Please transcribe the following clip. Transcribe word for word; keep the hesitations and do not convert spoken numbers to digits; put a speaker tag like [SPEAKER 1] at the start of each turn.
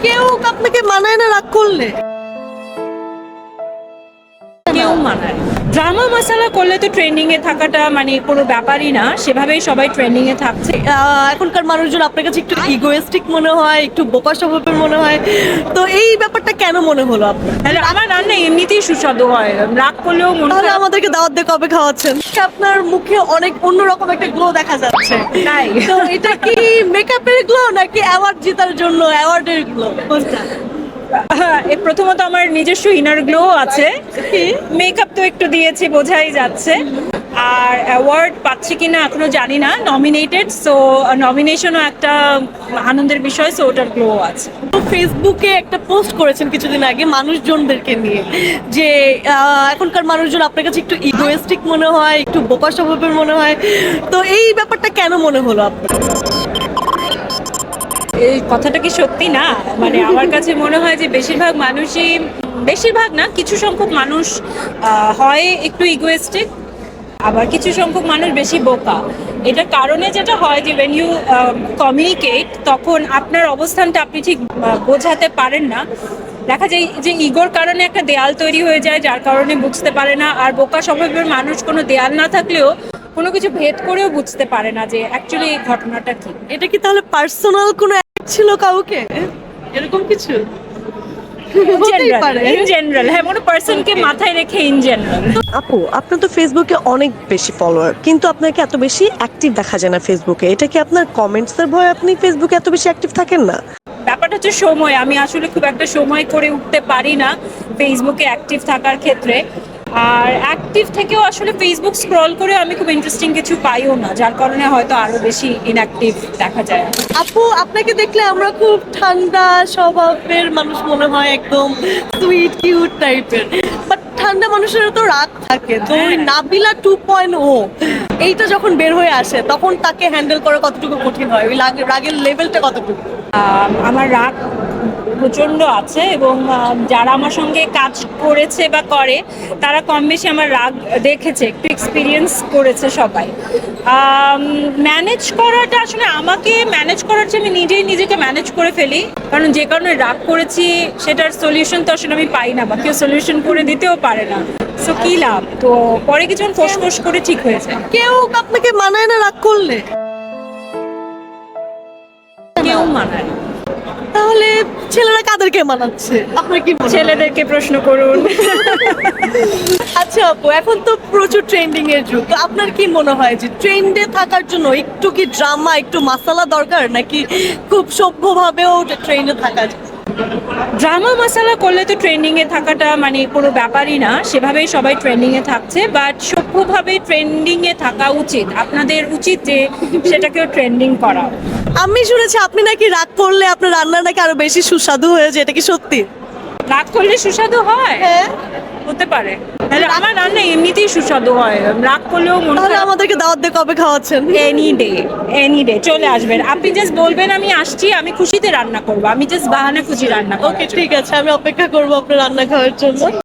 [SPEAKER 1] কেউ আপনাকে মানায় না রাগ করলে?
[SPEAKER 2] কেউ মানায় ড্রামা মশালা করলে তো ট্রেন্ডিং এ থাকাটা মানে কোনো ব্যাপারই না, সেভাবেই সবাই ট্রেন্ডিং এ থাকছে।
[SPEAKER 1] আহ, এখনকার মানুষজন আপনার কাছে একটু ইগোয়েস্টিক মনে হয়, একটু বোকা স্বভাবের মনে হয়, তো এই ব্যাপারটা কেন মনে হলো আপনার?
[SPEAKER 2] তাহলে আমার রান্না এমনিতেই সুস্বাদু হয়, রাগ করলেও মনে
[SPEAKER 1] তাহলে
[SPEAKER 2] হয়
[SPEAKER 1] আমাদেরকে দাওয়াত দিয়ে কবে খাওয়াচ্ছেন? আপনার মুখে অনেক অন্যরকম একটা গ্লো দেখা যাচ্ছে,
[SPEAKER 2] তাই
[SPEAKER 1] তো এটা কি মেকআপের গ্লো নাকি অ্যাওয়ার্ড জেতার জন্য অ্যাওয়ার্ডের গ্লো? কোনটা?
[SPEAKER 2] হ্যাঁ, এ প্রথমত আমার নিজস্ব ইনার গ্লো আছে, মেকআপ তো একটু দিয়েছি বোঝাই যাচ্ছে। আর অ্যাওয়ার্ড পাচ্ছি কিনা এখনো জানি না, নমিনেটেড, সো নমিনেশনও একটা আনন্দের বিষয়, সো ওটার গ্লো আছে।
[SPEAKER 1] তো ফেসবুকে একটা পোস্ট করেছেন কিছুদিন আগে মানুষজনদেরকে নিয়ে, যে আহ, এখনকার মানুষজন আপনার কাছে একটু ইগোয়েস্টিক মনে হয়, একটু বোকা স্বভাবের মনে হয়, তো এই ব্যাপারটা কেন মনে হলো আপনার?
[SPEAKER 2] এই কথাটা কি সত্যি না? মানে আমার কাছে মনে হয় যে বেশিরভাগ মানুষই, বেশিরভাগ না, কিছু সংখ্যক মানুষ আহ, হয় একটু ইগোয়েস্টিক, আবার কিছু সংখ্যক মানুষ বেশি বোকা। এটার কারণে যেটা হয় যে ওয়েন ইউ কমিউনিকেট, তখন আপনার অবস্থানটা আপনি ঠিক আহ, বোঝাতে পারেন না। দেখা যায় যে ইগোর কারণে একটা দেয়াল তৈরি হয়ে যায়, যার কারণে বুঝতে পারে না। আর বোকা স্বভাবের মানুষ কোনো দেয়াল না থাকলেও কোনো কিছু ভেদ করেও বুঝতে পারে না যে অ্যাকচুয়ালি এই ঘটনাটা কি।
[SPEAKER 1] এটা কি তাহলে পার্সোনাল কোনো act ছিল কাউকে, এরকম কিছু? হতেই পারে।
[SPEAKER 2] ইন জেনারেল, হ্যাঁ, কোনো পার্সনকে মাথায় রেখে ইন জেনারেল।
[SPEAKER 1] আপু, আপনার তো ফেসবুকে অনেক বেশি ফলোয়ার, কিন্তু আপনাকে এত বেশি অ্যাক্টিভ দেখা যায় না ফেসবুকে। এটা কি আপনার কমেন্টস এর ভয় আপনি ফেসবুকে এত বেশি অ্যাক্টিভ থাকেন না?
[SPEAKER 2] ব্যাপারটা হচ্ছে সময়, আমি আসলে খুব একটা সময় করে উঠতে পারি না ফেসবুকে অ্যাক্টিভ থাকার ক্ষেত্রে। আর অ্যাক্টিভ থেকেও আসলে ফেসবুক স্ক্রল করে আমি খুব ইন্টারেস্টিং কিছু পাইও না, যার কারণে হয়তো আরো বেশি ইনঅ্যাক্টিভ দেখা যায়।
[SPEAKER 1] আপু, আপনাকে দেখলে আমরা খুব ঠান্ডা স্বভাবের মানুষ মনে হয়, একদম সুইট কিউট টাইপের, বাট ঠান্ডা মানুষেরও তো রাগ থাকে। তো ওই নাবিলা টু পয়েন্ট ও এইটা যখন বের হয়ে আসে, তখন তাকে হ্যান্ডেল করা কতটুকু কঠিন হয়? ওই রাগের রাগের লেভেলটা কতটুকু?
[SPEAKER 2] আহ, আমার রাগ প্রচণ্ড আছে, এবং আহ, যারা আমার সঙ্গে কাজ করেছে বা করে তারা কম বেশি আমার রাগ দেখেছে, একটু এক্সপিরিয়েন্স করেছে সবাই। ম্যানেজ করাটা আসলে আমাকে ম্যানেজ করার চেয়ে আমি নিজেই নিজেকে ম্যানেজ করে ফেলি, কারণ যে কারণে রাগ করেছি সেটার সলিউশন তো আসলে আমি পাই না, বা কেউ সলিউশন করে দিতেও পারে না। সো কী লাভ? তো পরে কিছুক্ষণ ফোঁস ফোঁস করে ঠিক হয়ে যায়।
[SPEAKER 1] কেউ আপনাকে মানায় না রাগ করলে?
[SPEAKER 2] কেউ মানায় না।
[SPEAKER 1] তাহলে ছেলেরা কাদেরকে মানাচ্ছে আপনার কি মনে হয়?
[SPEAKER 2] ছেলেদেরকে প্রশ্ন করুন।
[SPEAKER 1] আচ্ছা আপু, এখন তো প্রচুর ট্রেন্ডিং এর যুগ, তো আপনার কি মনে হয় যে ট্রেন্ডে থাকার জন্য একটু কি ড্রামা, একটু মাসালা দরকার, নাকি খুব সভ্যভাবেও ট্রেন্ডে থাকা যায়?
[SPEAKER 2] ড্রামা মশালা করলে তো ট্রেন্ডিং এ থাকাটা মানে কোনো ব্যাপারই না, সেভাবেই সবাই ট্রেন্ডিং এ থাকছে। বাট সভ্যভাবে ট্রেন্ডিং এ থাকা উচিত, আপনাদের উচিত যে সেটাকেও ট্রেন্ডিং করা।
[SPEAKER 1] আমি শুনেছি আপনি নাকি রাগ করলে আপনার রান্না নাকি আরো বেশি সুস্বাদু হয়ে যায়, এটা কি সত্যি?
[SPEAKER 2] রাগ করলে সুস্বাদু হয়?
[SPEAKER 1] হ্যাঁ।
[SPEAKER 2] হতে পারে। তাহলে আমার রান্না এমনিতেই সুস্বাদু হয়, রাগ করলেও মনে
[SPEAKER 1] তাহলে
[SPEAKER 2] হয়।
[SPEAKER 1] আমাদেরকে দাওয়াত দিয়ে কবে খাওয়াচ্ছেন?
[SPEAKER 2] এনি ডে, এনি ডে চলে আসবেন। আপনি জাস্ট বলবেন আমি আসছি, আমি খুশিতে রান্না করবো, আমি জাস্ট বাহানা খুশি রান্না করবো।
[SPEAKER 1] ওকে, ঠিক আছে, আমি অপেক্ষা করবো আপনার রান্না খাওয়ার জন্য।